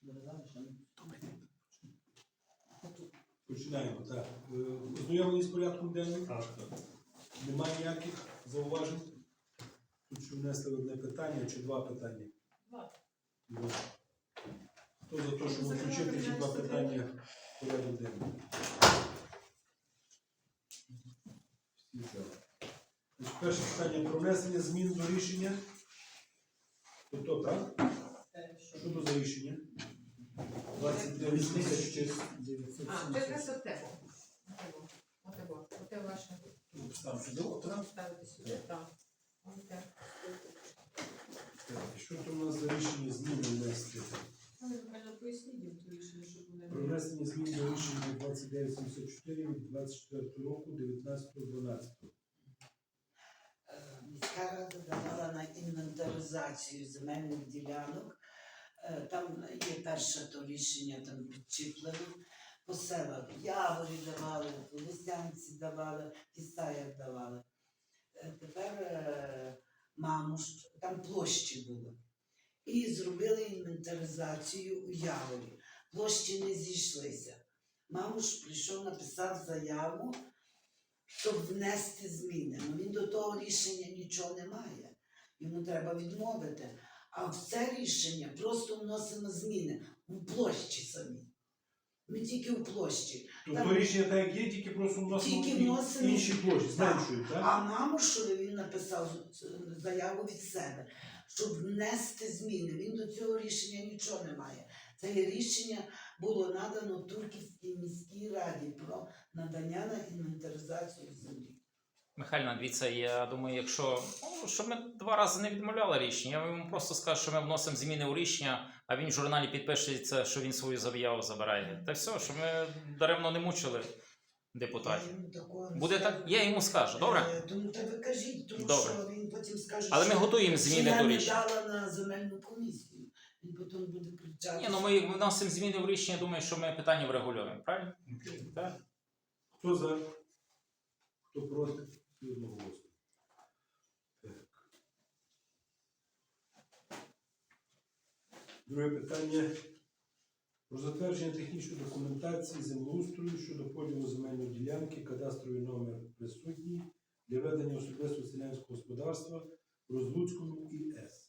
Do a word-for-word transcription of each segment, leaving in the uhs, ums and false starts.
Починаємо, так. Е, Ознайомлені з порядком денним? Так. Немає ніяких зауважень? Тут ще внесли одне питання чи два питання? Два. Два. Хто за те, щоб включити ці два питання в порядок денний? Всі за. Значить, перше питання про внесення змін до рішення. Тобто, так? Що то за рішення? двадцять дев'ять тисяч. А, це якраз от тебе. Отего. Оте ваше. Там чудово, так? Ставити сюди, так. Оте. І що то у нас за рішення зміни внести? Але ви мене поясніть їм ту рішення, щоб вони... Про внесення змін до рішення двадцять дев'ять сімдесят чотири від двадцять четвертого року, дев'ятнадцятого дванадцятого. Міська рада давала на інвентаризацію земельних ділянок. Е, Там є перше то рішення, там підчіплене. По селах Яворі давали, по Лисянці давали, Кисаях давали. Е, Тепер е, Мамуш, там площі були. І зробили інвентаризацію у Яворі. Площі не зійшлися. Мамуш прийшов, написав заяву, щоб внести зміни. Ну, він до того рішення нічого не має. Йому треба відмовити. А в це рішення просто вносимо зміни у площі самі. Ми тільки у площі. Тобто Там- рішення так як є, тільки просто вносимо Тільки і- вносимо. інші площі, зменшують, так? А Мамушові він написав заяву від себе, щоб внести зміни. Він до цього рішення нічого не має. Це рішення було надано Турківській міській раді про надання на інвентаризацію землі. Михайлівна, дивіться, я думаю, якщо ну, щоб ми два рази не відмовляли рішення, я йому просто скажу, що ми вносимо зміни у рішення, а він в журналі підпишеться, що він свою заяву забирає. Та все, що ми даремно не мучили депутатів. Я йому такого не Буде скажу. так? Я йому скажу, добре? Е, Тому та ви кажіть, тому Добре. що він потім скаже, Але ми що, готуємо що зміни я до не рішення. дала на земельну комісію. Він потім буде кричати. Ні, ну ми вносимо зміни в рішення, думаю, що ми питання врегулюємо, правильно? Так. Хто за? Хто проти? І одноголосно. Так. Друге питання. Про затвердження технічної документації землеустрою щодо поділу земельної ділянки, кадастровий номер присутній для ведення особистого селянського господарства в Розлуцькому ІС.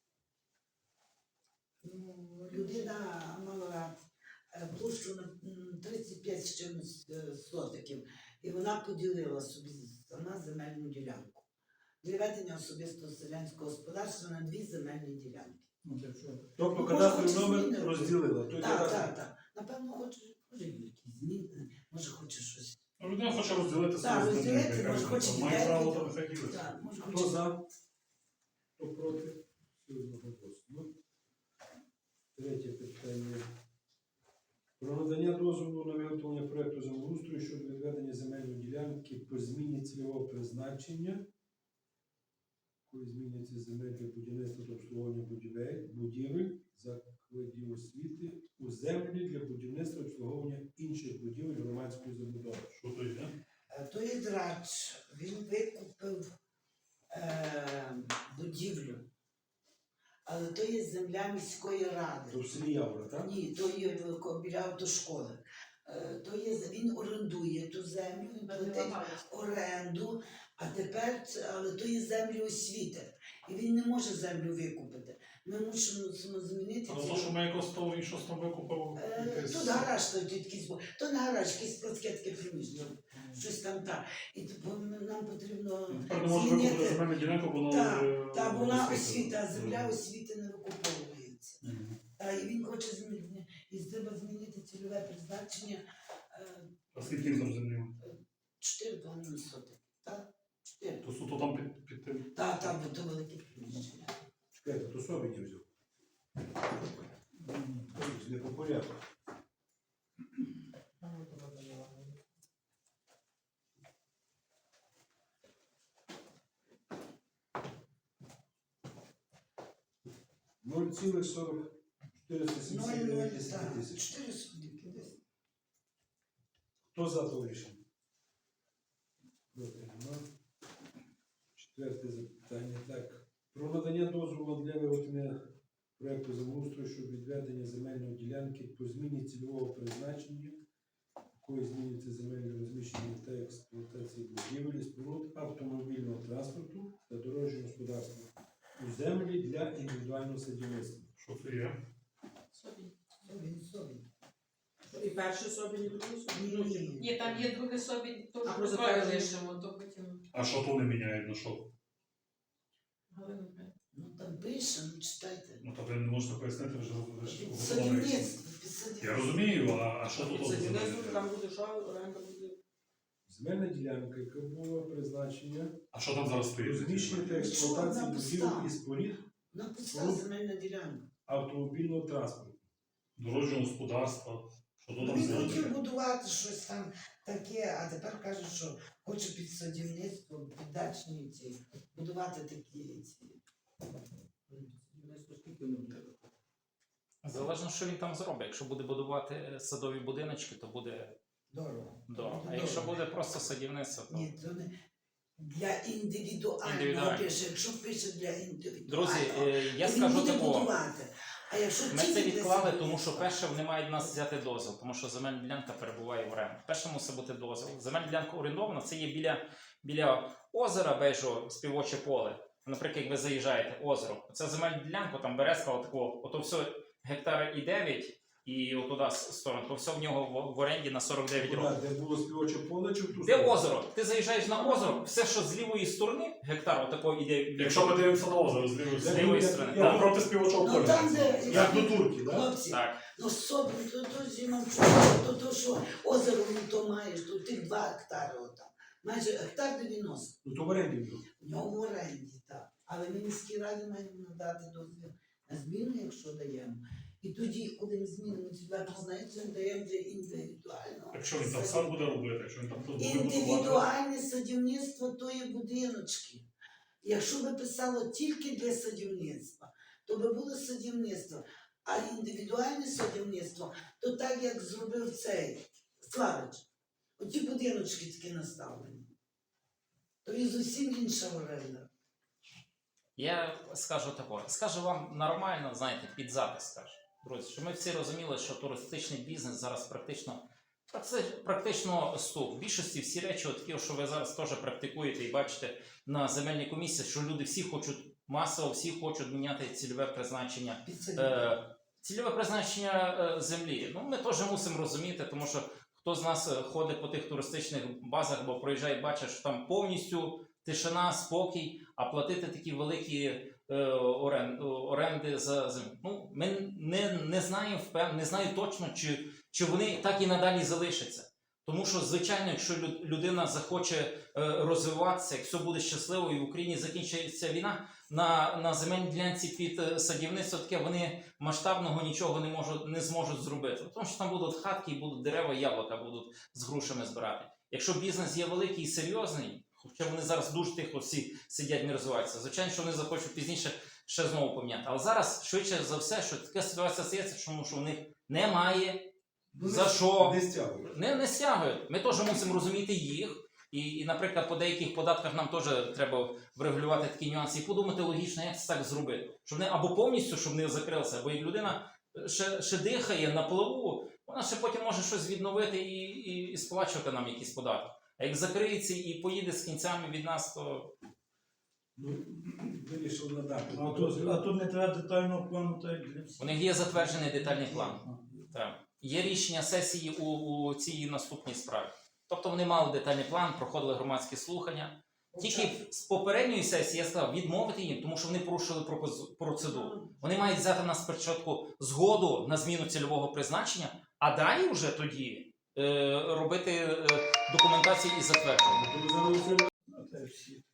Ну, людина мала е, площу на м, тридцять п'ять з чимось е, сотиків, і вона поділила собі сама земельну ділянку для ведення особистого селянського господарства на дві земельні ділянки. Тобто Ну, кадастровий може, номер зміни розділила. Той Так, кадастр- так, так. Напевно, хоче, може, якісь зміни, може, хоче щось. Ну, людина хоче розділити Так, свою землю, розділити, яка може, хоче має ділянки. право, то нехай ділиться. Так, може, Хто хоче. за? Хто проти? Всі одноголосно. Третє питання. Про надання дозволу на виготовлення проєкту землеустрою щодо відведення земельної ділянки по зміні цільового призначення, коли змінюється земель для будівництва та обслуговування будівель, будівель, закладів освіти, у землі для будівництва та обслуговування інших будівель громадської забудови. Що то є? Е, То є драч, він викупив е, будівлю, але то є земля міської ради. То в селі Явра, так? Ні, то є в- біля автошколи. Е, То є, він орендує ту землю, він платить оренду, а тепер, це- але то є землі освіти. І він не може землю викупити. Ми мусимо змінити Але ці- то, що ми якось того він щось там викупив. Е, якесь- Тут гараж, то якийсь, бу- то не гараж, якийсь складське таке приміщення, щось там так. І типу, нам потрібно Він тепер не може викупити змінити. земельну ділянку, бо вона Так, вже та вона освіта. освіта, а земля Мгм. освіти не викуповується. Мгм. Та, і він хоче змінити, і треба змінити цільове призначення е, А скільки він там землі? чотири з половиною сотих. Так? чотири. То суто там під, під тим. Так, так, бо то велике приміщення. Чекайте, то собі не взяв. Не по порядку. нуль цілих сорок чотириста сімдесят Ноль, дев'ять ноль, тисяч. так, чотири сотики десь. Хто за то рішення? Проти нема. Четверте запитання. Так. Про надання дозволу для виготовлення проекту землеустрою щодо відведення земельної ділянки по зміні цільового призначення, якою змінюється земельне розміщення та експлуатації будівель, і споруд автомобільного транспорту та дорожнього господарства у землі для індивідуального садівництва. Що це є? Собі. Він собі. І перший собі, і другий собі. Ні, ні. Ні, там є друге собі, то А що про ми затвердження? лишимо, то потім А що то не міняє на що? Галина Михайлівна. Ну там пише, ну читайте. Ну то ви не можете пояснити, ви ж ви ж готові. Садівництво, під садівництво. Я розумію, а, а що тут? Це от ділянка, там буде що, оренда буде. Земельна ділянка, яка була призначення, А що там зараз стоїть? розміщення та експлуатації будівель і споруд На пуста Ну. земельна ділянка. автомобільного транспорту. Дорожнього господарства. Що то там Він за хотів таке? будувати щось там таке, а тепер каже, що хоче під садівництво, під дачні ці, будувати такі ці. Садівництво скільки воно буде? Залежно, що він там зробить. Якщо буде будувати е, садові будиночки, то буде Дорого. дорого. А Буде якщо дорого. буде просто садівництво, то Ні, то не для індивідуального Індивідуально. пише. Якщо пише для індивідуального, друзі, е, я то він скажу буде такого. будувати. А якщо Ми тільки це для відклали, тому садівництва, що перше вони мають в нас взяти дозвіл, тому що земельна ділянка перебуває в оренді. Перше мусить бути дозвіл. Земельна ділянка орендована, це є біля, біля озера Бежо, співоче поле. Наприклад, як ви заїжджаєте, озеро. Це земельна ділянка, там березка, отако, ото все гектара і дев'ять, і отуда с- сторону, то все в нього в, в оренді на сорок дев'ять років. Де було співоче поле чи в ту Де сторону? озеро? Ти заїжджаєш на озеро, все, що з лівої сторони, гектар отако іде. від- Якщо ми дивимося на озеро з лівої З сторони, лівої я- сторони. я там Так. проти співочого Ну поля. там, де Як до турки, так? хлопці, Так. ну собі, то то зимом то, то що озеро ну, то маєш, то тих два гектари отам. Майже гектар дев'яносто. Ну то в оренді було. В нього в оренді, так. Але ми міській раді маємо надати дозвіл на зміну, якщо даємо. І тоді, коли ми змінимо цільове призначення, даємо для індивідуального. Якщо він там сам буде робити, якщо він там тут буде будувати. Індивідуальне садівництво то є будиночки. Якщо би писало тільки для садівництва, то би було садівництво. А індивідуальне садівництво, то так, як зробив цей Славич. Оті будиночки такі наставлені. То і зовсім інша оренда. Я скажу такое. Скажу вам нормально, знаєте, під запис скажу. Друзі, що ми всі розуміли, що туристичний бізнес зараз практично практи- практично стук. В більшості всі речі, от такі, що ви зараз теж практикуєте і бачите на земельній комісії, що люди всі хочуть масово, всі хочуть міняти цільове призначення. Під садівництво. Е, цільове призначення е, землі. Ну, ми теж мусимо розуміти, тому що хто з нас е, ходить по тих туристичних базах, бо проїжджає, бачить, що там повністю тишина, спокій, а платити такі великі е, орен, оренди за землю. Ну, ми не, не знаємо, впев- не знаю точно, чи, чи вони так і надалі залишаться. Тому що, звичайно, якщо лю- людина захоче е, розвиватися, якщо буде щасливо і в Україні закінчиться війна, на, на земельній ділянці під е, садівництво таке вони масштабного нічого не можуть, не зможуть зробити. Тому що там будуть хатки, і будуть дерева, яблука будуть з грушами збирати. Якщо бізнес є великий і серйозний, хоча вони зараз дуже тихо всі сидять, не розвиваються, звичайно, що вони захочуть пізніше ще знову поміняти. Але зараз, швидше за все, що така ситуація стається, тому що у них немає за що. Не стягують. Не, не стягують. Ми теж мусимо розуміти їх. І, і, наприклад, по деяких податках нам теж треба врегулювати такі нюанси і подумати логічно, як це так зробити. Щоб не або повністю, щоб не закрилося, бо як людина ще, ще дихає на плаву, вона ще потім може щось відновити і, і, і сплачувати нам якісь податки. А як закриється і поїде з кінцями від нас, то Ну, вирішив надати. А тут, а тут не треба детального плану, так як для всіх. у них є затверджений детальний план. Так. Є рішення сесії у, у цій наступній справі. Тобто вони мали детальний план, проходили громадські слухання. Тільки з попередньої сесії я сказав відмовити їм, тому що вони порушили пропоз- процедуру. Вони мають взяти нас спочатку згоду на зміну цільового призначення, а далі вже тоді е, робити е, документацію і затвердження. Ну, це всі.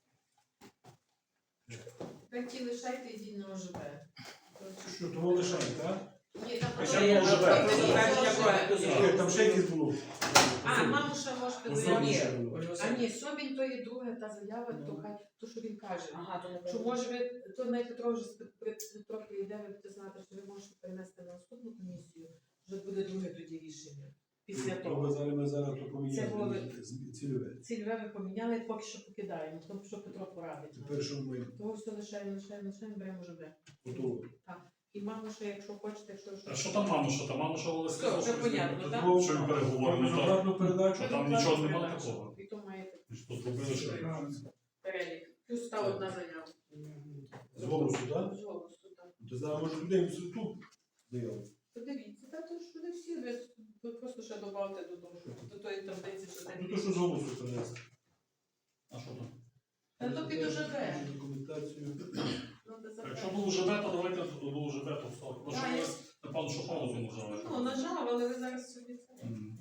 Тепер ті лишайте і йдіть на ОЖБ. Що, того лишаємо, так? Ні, там Хоча потім- б ОЖБ. потім Затвердження ОЖБ. проекту Ні, там ще якісь було. А, маму ще можете Ну, заявити. Собінь Ні, ще було. Ольга А Васильівна. ні, Собінь то є друга та заява, Ну. то хай, то що він каже. Ага, то не Що може ви, то навіть Петро вже з- при- Петро прийде, ви будете знати, що ви можете перенести на наступну комісію, вже буде друге тоді рішення. Після То того. ми зараз ми зараз то Це було поміняємо. ви- з- Цільове. Цільове ви поміняли, поки що покидаємо, тому що Петро порадить. нам. Тепер що ми Того все лишаємо, лишаємо, лишаємо, беремо ОЖБ. готові. І мама ще, якщо хочете, якщо А що там мама, що там мама, що Олег Все, сказав, вже що понятно, він- так? Ну, що він переговорив, ну, то- Безоплатну передачу. Що там нічого немає такого. І то маєте Ми ж тут зробили, що перелік. Плюс та одна заява. З голосу, так? З голосу, так. То зараз може людей в тут заяву. Подивіться, та то ж не всі, ви, ви просто ще добавте до того, що до тої таблиці, що там Ну то що з голосу принести? А що там? Та то під ОЖБ. Документацію. Ну, де Якщо забрати. був ЖБ, то давайте до ЖБ, то все. Ну, що Так, ви, я- напевно, що паузу нажали. Ну, нажав, але ви зараз собі це. Мгм.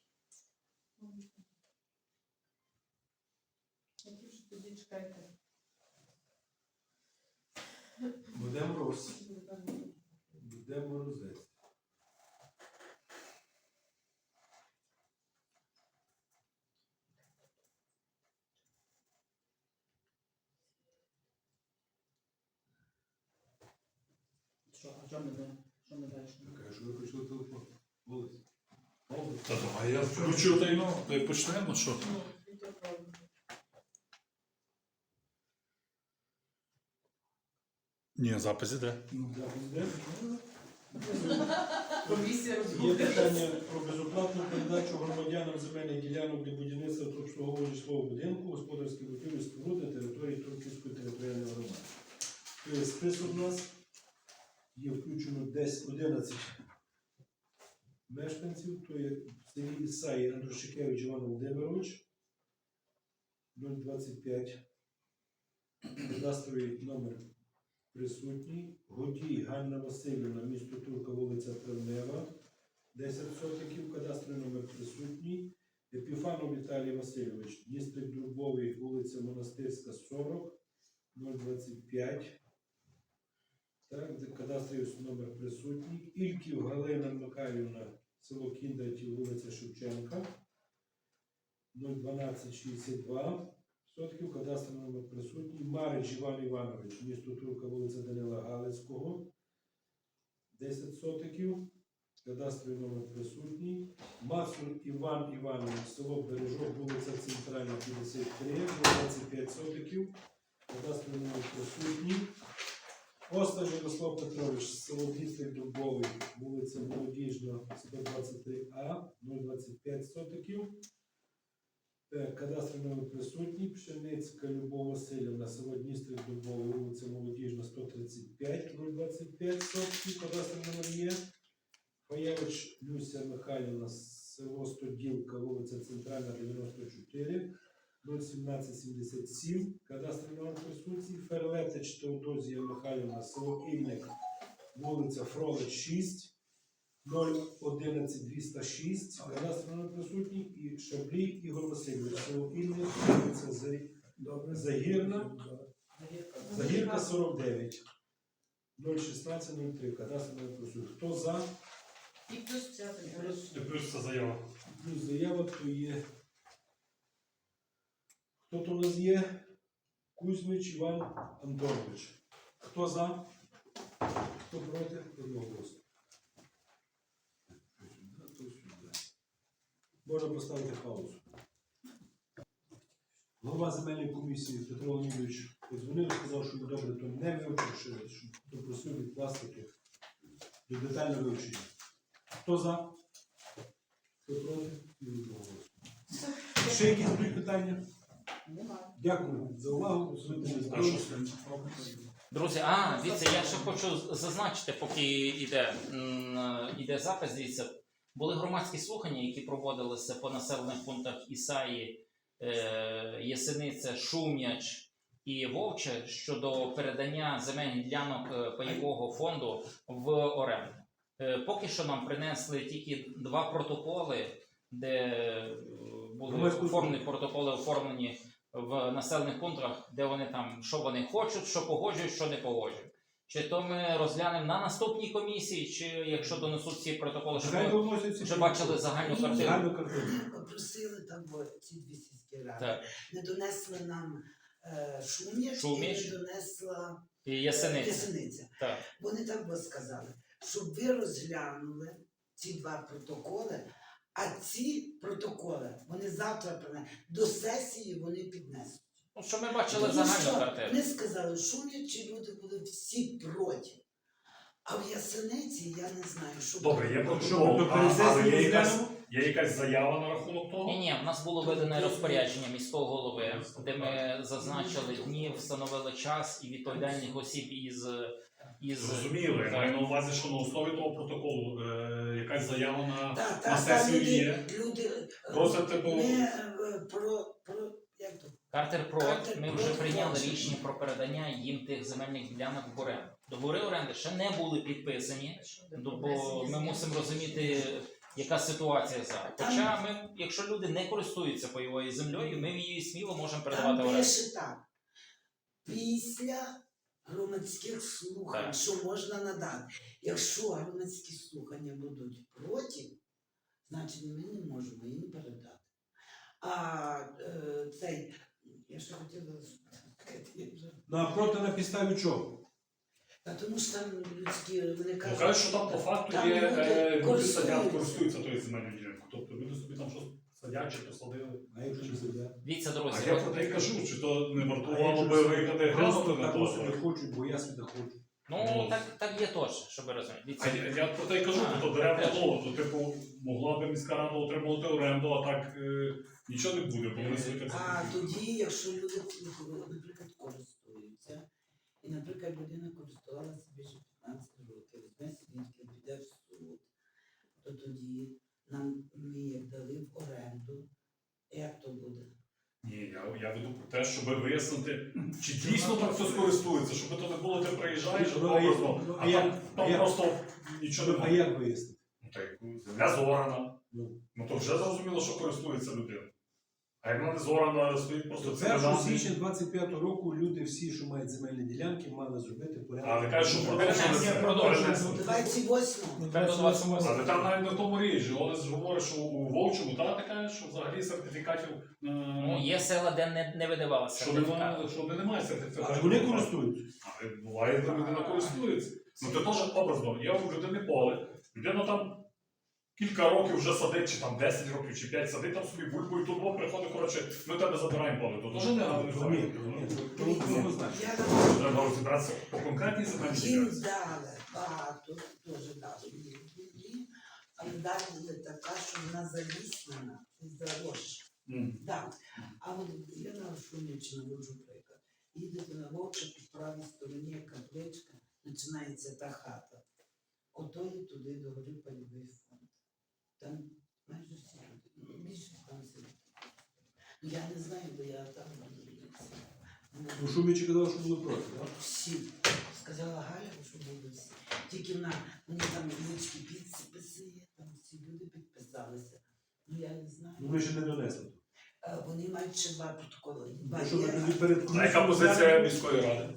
Які ж тоді чекайте. Буде мороз. Буде морозець. Що, а що ми де? Що ми далі? Кажу, виключили телефон. Голос. Та давай, я включу та й ну, та й почнемо, що? Ну, і то правда. Ні, запис іде. Ну, запис де? Комісія Є розбудила. питання про безоплатну передачу громадянам земельних ділянок для будівництва та обслуговування житлового будинку, господарських будівель, споруд на території Турківської територіальної громади. Тобто список у нас є включено десь одинадцять мешканців, то є в селі Ісаї Андрушикевич Іван Володимирович, нуль двадцять п'ять, кадастровий номер присутній, Годій Ганна Васильівна, місто Турка, вулиця Травнева, десять сотиків, кадастровий номер присутній, Епіфанов Віталій Васильович, Дністрик Дубовий, вулиця Монастирська, сорок, нуль двадцять п'ять, так, кадастровий номер присутній, Ільків Галина Михайлівна, село Кіндратів, вулиця Шевченка, нуль дванадцять шістдесят два, сотків, кадастровий номер присутній, Марич Іван Іванович, місто Турка, вулиця Данила Галицького, десять сотиків, кадастровий номер присутній, Мацур Іван Іванович, село Бережок, вулиця Центральна, п'ятдесят три, двадцять п'ять сотиків, кадастровий номер присутній, Осташ Ярослав Петрович, село Дністрик Дубовий, вулиця Молодіжна, сто двадцять три А, нуль двадцять п'ять сотиків, кадастровий номер присутній, Пшеницька Любов Васильівна, село Дністрик Дубовий, вулиця Молодіжна, сто тридцять п'ять, нуль двадцять п'ять сотків, кадастровий номер є. Фаєвич Люся Михайлівна, село Стоділка, вулиця Центральна, дев'яносто чотири, нуль сімнадцять сімдесят сім, кадастровий номер присутній. Ферлетич Теодозія Михайлівна, село Ільник, вулиця Фролич, шість, нуль одинадцять двісті шість, кадастровий номер присутній. І Шаблій Ігор Васильович, село Ільник, вулиця За- Загірна, Загірка, сорок дев'ять, нуль шістнадцять нуль три, кадастровий номер присутній. Хто за? І плюс ця заява. І плюс це заява. Плюс заява, то є. Хто то у нас є? Кузьмич Іван Антонович. Хто за? Хто проти? Одноголосно. Сюди, то сюди. Можна поставити паузу. Голова земельної комісії Петро Леонідович подзвонив, сказав, що він добре то не вивчив, що попросив відкласти до детального вивчення. Хто за? Хто проти? І одноголосно. Ще якісь будуть питання? Немає. Дякую за увагу. А що з ним? Друзі, а, дивіться, я ще хочу зазначити, поки йде, м, йде запис, дивіться, були громадські слухання, які проводилися по населених пунктах Ісаї, е, Ясениця, Шум'яч і Вовче щодо передання земельних ділянок е, пайового фонду в оренду. Е, Поки що нам принесли тільки два протоколи, де е, були Громадські оформлені протоколи оформлені в населених пунктах, де вони там, що вони хочуть, що погоджують, що не погоджують. Чи то ми розглянемо на наступній комісії, чи якщо донесуть ці протоколи, щоб Хай ми вносяться вже бачили загальну картину. загальну картину. Попросили там бо, ці дві сільські ради. Так. Не донесли нам е, Шум'яч, Шум'яч. і не донесла І е, Ясениця. Ясениця. Так. Вони так би сказали, щоб ви розглянули ці два протоколи, а ці протоколи вони завтра принесуть. До сесії вони піднесуть. Ну, щоб ми бачили Тому загальну що картину. Вони сказали, шумлячі люди були всі проти. А в Ясениці я не знаю, що Добре, є Що, протокол, ми до а, але пересесії є якась, розглянемо? є якась заява на рахунок того? Ні, ні, в нас було видане розпорядження міського голови, де ми зазначили дні, встановили час і відповідальних осіб із. із... Зрозуміло, я маю на увазі, що на основі того протоколу е, якась заява на, Та, на та, та сесію люди, є. люди е, Просить, типу, не е, про, про, як то? Картер Прот, Картер ми Прот вже прийняли хоче. рішення про передання їм тих земельних ділянок в оренду. Договори оренди ще не були підписані, ну, бо ми мусимо розуміти, яка ситуація зараз. Хоча ми, якщо люди не користуються пайовою землею, ми її сміло можемо передавати в Там оренду. пише так. Після громадських слухань, Так. що можна надати. Якщо громадські слухання будуть проти, значить ми не можемо їм передати. А е, цей, я ще хотіла сказати, я вже- Ну а проти на підставі чого? Та тому що там людські, вони Ну, кажуть, кажуть, що там по факту там є, люди е, люди користуються. садять, користуються тою земельною ділянкою. Тобто люди собі там щось садять чи посадили. А якщо не сидять? Дивіться, А друзі, я от, про те й кажу, чи то не А вартувало якщо би собі виїхати просто глянути на так то. собі хочуть, бо я собі хочу. ну так, так є теж, щоб ви розуміли. А Дивіться, я, я про те й кажу, А, то беремо теж. слово, то типу могла би міська рада отримувати оренду, а так е, нічого не буде, бо вони собі так а собі. тоді, якщо люди, наприклад, користуються, і, наприклад, людина користувалася більше п'ятнадцять років, візьме свідків, піде в суд, то тоді нам ми як дали в оренду, як то буде? Ні, я, я веду про те, щоб вияснити, чи дійсно там хтось користується, щоб то не було, ти приїжджаєш, Ну, а як- образно, ну, а а як- там, а там як- просто нічого не А буде. як вияснити? Ну, так, земля зорана. Ну. Ну то вже зрозуміло, що користується людина. А як вона не зорана, стоїть просто це першого січня двадцять п'ятого року люди всі, що мають земельні ділянки, мали зробити порядок. Але кажуть, що продовжується. Перенесення, продовжується. Перенесення. двадцять восьмого. Треба до двадцять восьмого. Але там навіть на тому ріжі. Олесь говорить, що у Волчому, та ти кажеш, що взагалі сертифікатів е, ну, є села, де не, не видавалося що сертифікат. немає, що немає сертифікатів. Але вони користуються. Але буває, де людина користується. Ну це теж образно. Є у людини поле. Людина там кілька років вже садить, чи там десять років, чи п'ять садить там собі бульбу, і тут Бог приходить, коротше, ми тебе забираємо поле. То теж не Ні, ні, файно. ні, то- то однозначно. Я думаю, Треба розібратися по конкретній земельній їм ділянці. дали багато, теж дали їм, але дали така, що вона заліснена, заросша. М. Так. А от я на Шумівці наводжу приклад. Їдете на Вовча, по правій стороні капличка, починається та хата. Ото і туди до гори пайовий фонд. Там майже всі люди, ну, більше там сидить. Ну, я не знаю, бо я там не дивлюся. Ну, Шумічі казав, що були проти, так? Всі. Сказала Галя, що були всі. Тільки вона, вони там людські підписи є, там всі люди підписалися. Ну я не знаю. Ну ми ще не донесли. Е, Вони мають ще два протоколи. Два Ну, що ви є, тоді перед А яка позиція міської ради?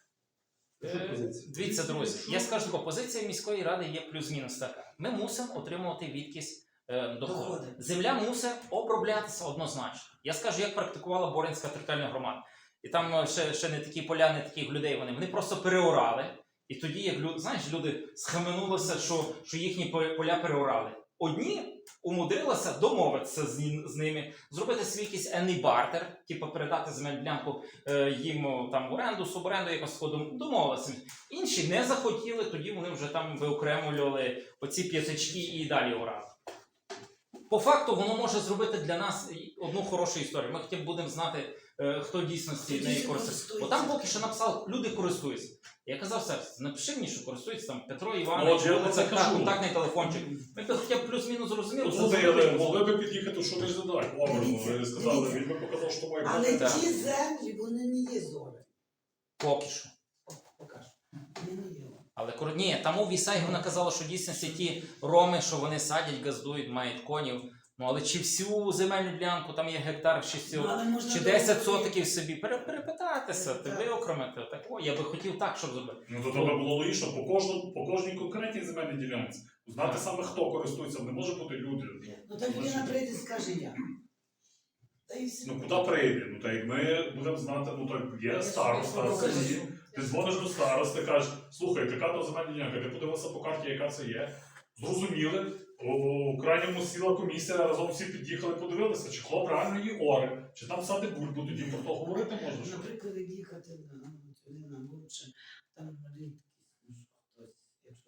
Що Е, позиція? Дивіться, друзі, я скажу таку, позиція міської ради є плюс-мінус така. Ми мусимо отримувати відкись е, доходу. Доходи. Земля мусить оброблятися однозначно. Я скажу, як практикувала Боринська територіальна громада. І там е, ще, ще не такі поля, не таких людей вони. Вони просто переорали. І тоді, як люди, знаєш, люди схаменулися, що, що їхні по- поля переорали. Одні умудрилися домовитися з, ні- з ними, зробити свій якийсь енний бартер, типу передати земельну ділянку е, їм о, там в оренду, суборенду, якось такого домовилися. Інші не захотіли, тоді вони вже там виокремлювали оці п'ятачки і далі орали. По факту воно може зробити для нас і одну хорошу історію. Ми хоча б будемо знати, е, хто дійсності Хто нею дійсно користується. Бо користується. там поки що написав, люди користуються. Я казав, все, напиши мені, що користується там Петро Ну, Іванович, от я вулиця, про це кажу. контактний телефончик. Ми б хоча б плюс-мінус зрозуміли. Ну, це слухай, зробили. але могли би під'їхати, що ти ж задай. Образно, Дивіться, ви сказали, дивіться. він би показав, що має Але бути. Так. ті землі, вони не є зори. Поки що. Покажу. Вони не є. Але коли- ні, там у Вісагі вона казала, що дійсно ті роми, що вони садять, газдують, мають конів. Ну але чи всю земельну ділянку, там є гектар чи всю, Ну, але можна чи договорити. десять сотиків собі, пере- перепитатися, ти Так. виокремити. Так, о, я би хотів так, щоб зробити. Ну то тебе було логічно по кожному, по кожній конкретній земельній ділянці. Знати Так. саме хто користується, не може бути люди. Ну так людина прийде і скаже я. Та і все. Ну куди прийде? Ну так як ми будемо знати, ну так є староста, Покажи. ти дзвониш до старости, кажеш, слухай, така то земельна ділянка, ти подивився по карті, яка це є. Зрозуміли, у крайньому сіла комісія, разом всі під'їхали, подивилися, чи хлоп реально її оре, чи там сади бульбу, тоді про то говорити можна. що? Наприклад, як їхати на, туди на Вовче, там рідкість, ну що хтось, якщо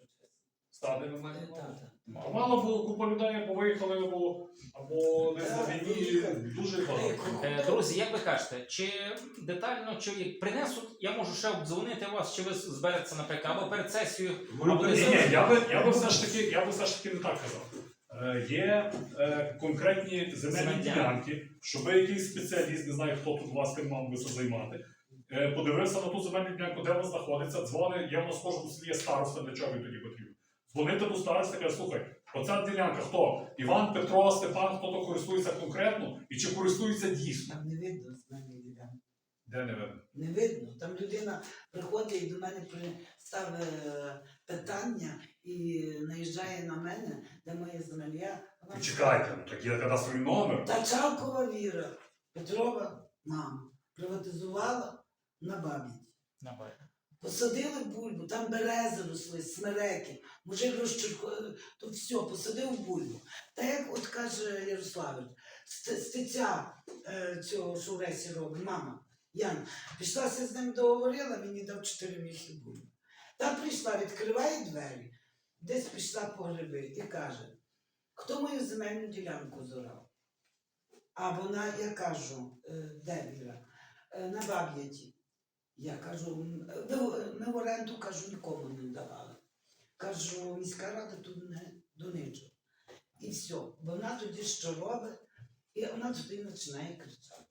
Стади на мене. Е, та, та. А мало було купа людей, або виїхали, або, або десь на Так, війні. виїхали. Дуже багато. Е, Друзі, як ви кажете, чи детально, чи як принесуть, я можу ще обдзвонити вас, чи ви збереться, наприклад, або перед сесією, або Ні, десь. ні, я би, я би все ж таки, я би все ж таки не так казав. Е, є е, конкретні земельні Земельні ділянки, щоб якийсь спеціаліст, не знаю, хто тут у вас тим мав би це займати, е, подивився на ту земельну ділянку, де вона знаходиться, дзвони, є в нас в кожному селі є староста, для чого він тоді потрібен. Дзвонити до старости, каже, слухай, оця ділянка хто? Іван, Петро, Степан, хто то користується конкретно і чи користується дійсно? Там не видно з мене ділянки. Де не видно? Не видно. Там людина приходить і до мене при- ставить е, питання і наїжджає на мене, де моє земля. Вона- І чекайте, ну так є кадастровий номер. Тачалкова Віра, Петрова мама, приватизувала на бабі. На бай. Посадили бульбу, там берези росли, смереки, мужик розчеркував, то все, посадив бульбу. Та як от каже Ярославич, ст- стеця е, цього, що в Ресі робить, мама, Яна, пішлася з ним договорила, мені дав чотири місяці бульбу. Та прийшла, відкриває двері, десь пішла по гриби і каже, хто мою земельну ділянку зорав? А вона, я кажу, е, де Віра? Е, на Баб'яті. Я кажу, «М, ви- ми в оренду, кажу, нікому не давали. Кажу, міська рада тут не до нічого. І все. Вона тоді що робить, і вона тоді починає кричати.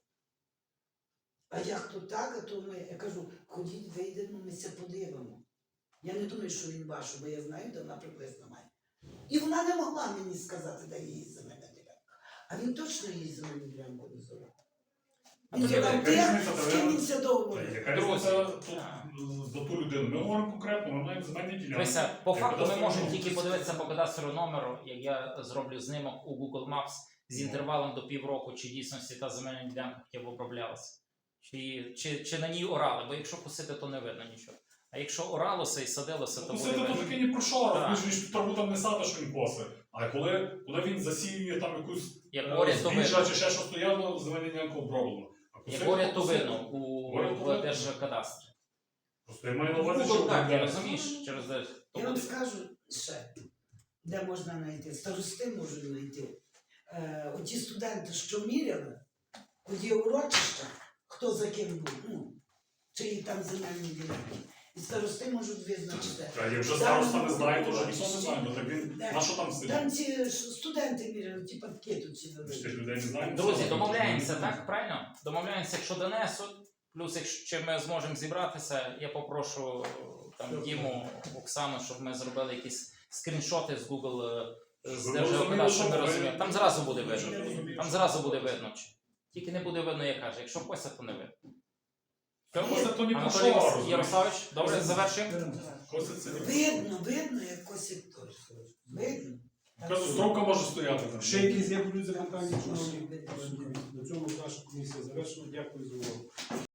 А як то так, а то ми, я кажу, ходіть, вийдемо, ми це подивимо. Я не думаю, що він ваш, бо я знаю, де вона приблизно має. І вона не могла мені сказати, де її земельна ділянка. А він точно її земельну ділянку не зорав. Він тоді зорав яка тих, різниця, з та ким ви- він це договорив. Яка Друзі, різниця тут так. за ту людину? Ми говоримо конкретно, ми маємо земельні ділянки. Дивися, по Як факту ми кадастровий можемо номер. тільки подивитися по кадастровому номеру, як я зроблю знімок у Google Maps з інтервалом до півроку, чи дійсності та земельна ділянка хоча б оброблялася. Чи, чи, чи на ній орали, бо якщо косити, то не видно нічого. А якщо оралося і садилося, то буде Косити то видно. таке ні про що, Так. розумієш, він ж траву там не сада, що він косить. А коли, коли він засіює там якусь Як е, говорять, то збіжжя видно. чи ще щось, то явно земельна ділянка оброблено. А Як косити, говорять, то косити. видно у, Говорять, то в видно. Держкадастрі. Просто я маю на увазі, що Google карті, де- розумієш, через де то Я вам буде. скажу ще, де можна знайти. Старости можуть знайти. Е, оті студенти, що міряли, оті урочища, хто за ким був, ну, чиї там земельні ділянки. І старости можуть визначити. А якщо староста не знає, то вже ніхто не знає, бо так він Де? на що там сидить? Там ці ж студенти міряли, ті папки тут ці Ми ж тих великі. людей не знаємо. Друзі, домовляємося, так? Правильно? Домовляємося, якщо донесуть. Плюс, якщо чи ми зможемо зібратися, я попрошу там Діму, Оксану, щоб ми зробили якісь скріншоти з Google е, з Щоб ви Держгеокадастру, розуміли, щоб ми що ви- розуміли. Там зразу буде Щоб видно. ви розуміли, Там що- зразу буде видно. чи- Тільки не буде видно, як каже. Якщо кося, то не видно. Косить то ні про Анатолій що, Вас- розумієш? Ярославович, добре, завершуємо. Косить це ні. Видно, видно, як косить той. Видно. Кажу, стровка може стояти там. Ще якісь є будуть запитання, шановні? На цьому наша комісія завершена. Дякую за увагу.